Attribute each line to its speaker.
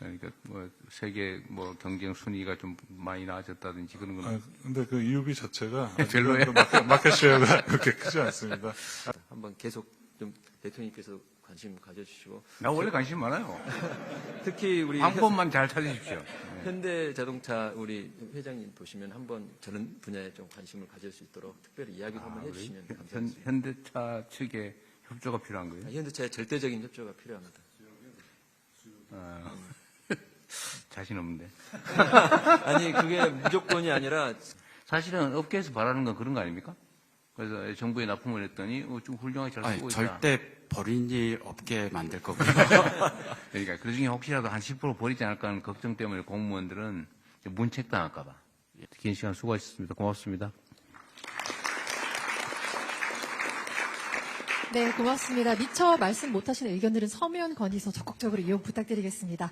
Speaker 1: 그러니까 뭐 세계 뭐 경쟁 순위가 좀 많이 나아졌다든지 그런 건.
Speaker 2: 근데 그 EUB 자체가
Speaker 1: 별로예요?
Speaker 2: 그 마켓 쉐어가 그렇게 크지 않습니다.
Speaker 3: 한번 계속 좀 대통령께서 관심 가져주시고.
Speaker 1: 나 원래 관심 많아요.
Speaker 3: 특히 우리
Speaker 1: 방법만 잘 찾으십시오.
Speaker 3: 현대자동차 우리 회장님 보시면 한번 저런 분야에 좀 관심을 가질 수 있도록 특별히 이야기를 한번 해주시면 감사하겠습니다.
Speaker 1: 현대차 측에 협조가 필요한 거예요?
Speaker 3: 현대차의 절대적인 협조가 필요합니다.
Speaker 1: 자신 없는데.
Speaker 3: 아니 그게 무조건이 아니라
Speaker 1: 사실은 업계에서 바라는 건 그런 거 아닙니까? 그래서 정부에 납품을 했더니 좀 훌륭하게 잘 쓰고 있다.
Speaker 4: 절대 버린 일 없게 만들 거고요.
Speaker 1: 그러니까 그 중에 혹시라도 한 10% 버리지 않을까 하는 걱정 때문에 공무원들은 문책당할까 봐. 긴 시간 수고하셨습니다. 고맙습니다.
Speaker 5: 네, 고맙습니다. 미처 말씀 못하신 의견들은 서면 건의서 적극적으로 이용 부탁드리겠습니다.